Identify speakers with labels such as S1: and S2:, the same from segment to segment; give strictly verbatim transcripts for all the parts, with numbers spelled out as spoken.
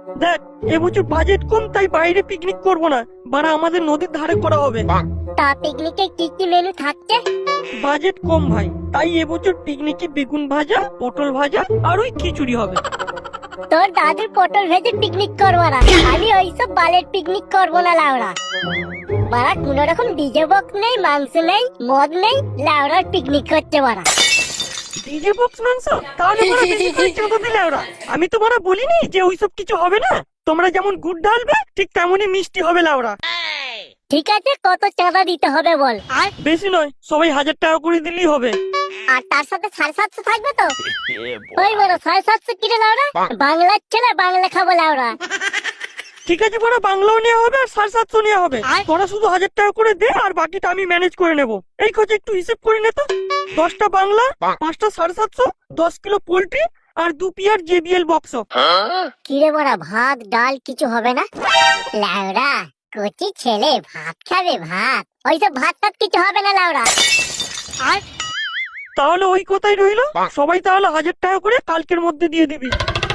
S1: দেখ এবছর বাজেট কম, তাই বাইরে পিকনিক করব না, বাড়া আমাদের নদীর ধারে করা হবে।
S2: তা পিকনিকে কি কি মেনু থাকছে?
S1: বাজেট কম ভাই, তাই এবছর পিকনিকে বেগুন ভাজা, পটল ভাজা আর ওই খিচুড়ি হবে।
S2: তোর দাদুর পটল ভেজে পিকনিক করবো না, আমি ওইসব বালের পিকনিক করবো না লাউড়া। বাড়া কোন রকম ডিজে বক্স নেই, মাংস নেই, মদ নেই, লাউড়ার পিকনিক করছে বাড়া।
S1: ডিজে বক্স মাংস তাহলে বড় বেশি করে চাঁদা দিলে ওরা। আমি তো বড় বলিনি যে ওইসব কিছু হবে না। তোমরা যেমন গুড় ঢালবে ঠিক তেমনই মিষ্টি হবে লাউরা।
S2: ঠিক আছে, কত চাঁদা দিতে হবে বল? আর
S1: বেশি নয়, সবাই হাজার টাকা করে দিলেই হবে।
S2: আর তার সাথে সাড়ে সাতশো থাকবে তো? ওই বড় সাড়ে সাতশো কিনে লাউরা, বাংলার ছেলে বাংলা খাবো লাউরা।
S1: ঠিক আছে বড়, বাংলাও নেওয়া হবে আর সাড়ে সাতশো নেওয়া হবে। তোরা শুধু হাজার টাকা করে দে আর বাকিটা আমি ম্যানেজ করে নেবো। এই খোঁজ একটু হিসেব করে নে তো। দশটা বাংলা, পাঁচটা সাড়ে সাতশো, দশ কিলো পোল্ট্রি আর দু পিয়ার জেবিএল বক্স।
S2: কিরে বড়া, ভাত ডাল কিছু হবে না? লাউরা কচি ছেলে ভাত খাবে ভাত, ওইসব ভাত টাত কিছু হবে না লাউরা। আর
S1: তাহলে ওই কথাই রইলো, সবাই তাহলে হাজার টাকা করে কালকের মধ্যে দিয়ে দিবি।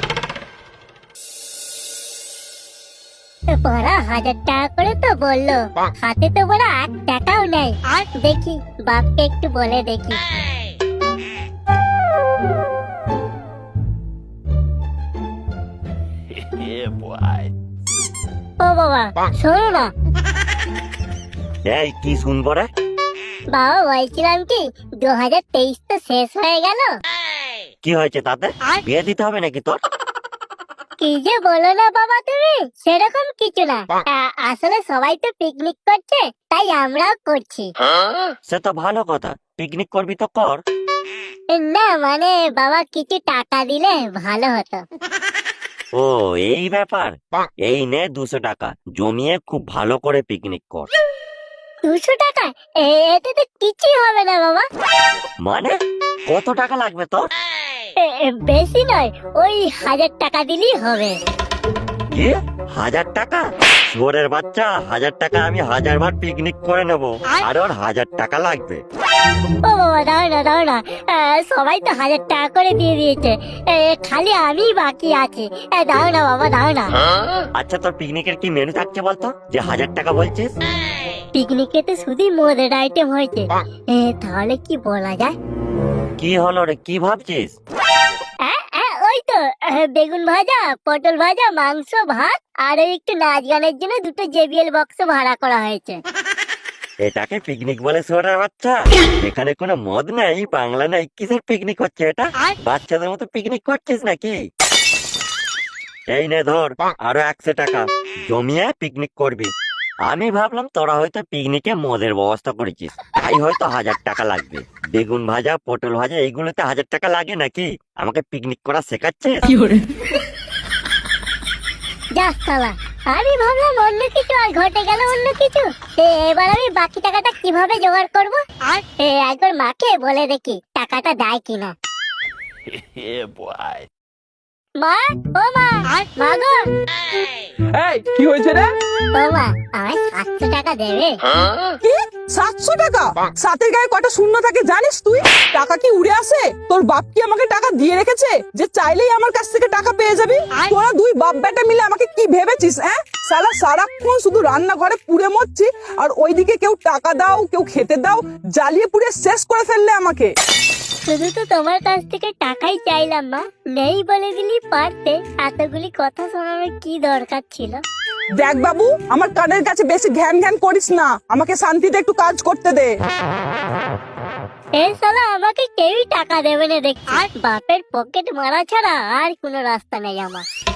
S2: বড়া হাজার টাকা করে তো বললো, হাতে তো বড়া এক টাকাও নেই। আর দেখি বাপকে একটু বলে দেখি। ও বাবা শোনো না।
S3: এই কি শুনবো রে?
S2: বাবা বলছিলাম কি, দু হাজার তেইশ তো শেষ হয়ে গেল।
S3: কি হয়েছে তাতে? বিয়ে দিতে হবে নাকি তোর?
S2: কি যে বলো না বাবা তুমি, সেরকম কিছু না। আ- আসলে সবাই তো পিকনিক করছে, তাই আমরাও করছি।
S3: সে তো ভালো কথা, পিকনিক করবি তো কর।
S2: না মানে বাবা কিছু টাকা দিলে ভালো হতো।
S3: ও এই ব্যাপার, এই নে দুশো টাকা জমিয়ে খুব ভালো করে পিকনিক কর।
S2: দুশো টাকা? এ- এতে তো কিছুই হবে না বাবা।
S3: মানে কত টাকা লাগবে তোর?
S2: এ- এ, বেশি নয়, ওই হাজার টাকা দিলেই হবে।
S3: কি হাজার টাকা? শুয়োরের বাচ্চা, হাজার টাকা আমি হাজার বার পিকনিক করে নেবো আর ওর হাজার টাকা লাগবে?
S2: ও বাবা দাও না দাও না, আ, সবাই তো হাজার টাকা করে দিয়ে দিয়েছে, এ, খালি আমি বাকি আছি। এ, দাও না বাবা দাও না।
S3: আচ্ছা তোর পিকনিকের কি মেনু থাকছে বলতো, যে হাজার টাকা বলছিস?
S2: পিকনিকে তো শুধুই মদের আইটেম হয়েছে, এ, তাহলে কি বলা যায়?
S3: কি হলো রে, কি ভাবছিস?
S2: আ, আ, ওই তো আ, বেগুন ভাজা, পটল ভাজা, মাংস, ভাত আর ওই একটু নাচ গানের জন্য দুটো জেবিএল বক্স ভাড়া করা হয়েছে।
S3: এটাকে পিকনিক বলে শুয়োরের বাচ্চা? এখানে কোনো মদ নেই, বাংলা নেই, কিসের পিকনিক হচ্ছে এটা? বাচ্চাদের মতো পিকনিক করছিস নাকি? এই নে ধর আরো একশো টাকা জমিয়ে পিকনিক করবি। আমি ভাবলাম তোরা হয়তো পিকনিকে মদের ব্যবস্থা করেছিস, তাই হয়তো হাজার টাকা লাগবে। বেগুন ভাজা, পটল ভাজা এইগুলোতে হাজার টাকা লাগে নাকি? আমাকে পিকনিক করা শেখাচ্ছে?
S2: যা শালা, আমি ভাবলাম অন্য কিছু আর ঘটে গেল অন্য কিছু। এ, এবার আমি বাকি টাকাটা কিভাবে জোগাড় করব? আর এ, একবার মাকে বলে দেখি টাকাটা দেয় কিনা। মা, ও মা, মা গো,
S4: এই কি হয়েছে রে?
S2: ও মা, আমায় সাতশো টাকা দেবে?
S4: কি সাতশো টাকা? সাতের গায়ে কটা শূন্য থাকে জানিস তুই? টাকা কি উড়ে আসে? তোর বাপ কি আমাকে টাকা দিয়ে রেখেছে যে চাইলেই আমার কাছ থেকে টাকা পেয়ে যাবি? তোরা দুই বাপ বেটা মিলে আমাকে কি ভেবেছিস? হ্যাঁ শালা, সারাক্ষণ শুধু রান্নাঘরে পুড়ে মরছি আর ওইদিকে কেউ টাকা দাও কেউ খেতে দাও, জ্বালিয়ে পুড়ে শেষ করে ফেললে আমাকে।
S2: শুধু তো তোমার কাছ থেকে টাকাই চাইলাম মা, নেই বলে দিলি পারতে, এতগুলি কথা শোনানোর কি দরকার ছিল?
S4: দেখ বাবু, আমার কানের কাছে বেশি ঘ্যান ঘ্যান করিস না, আমাকে শান্তিতে একটু কাজ করতে দে।
S2: এই শালা আমাকে কেউই টাকা দেবে না দেখছি, আর বাপের পকেট মারা ছাড়া আর কোনো রাস্তা নেই আমার।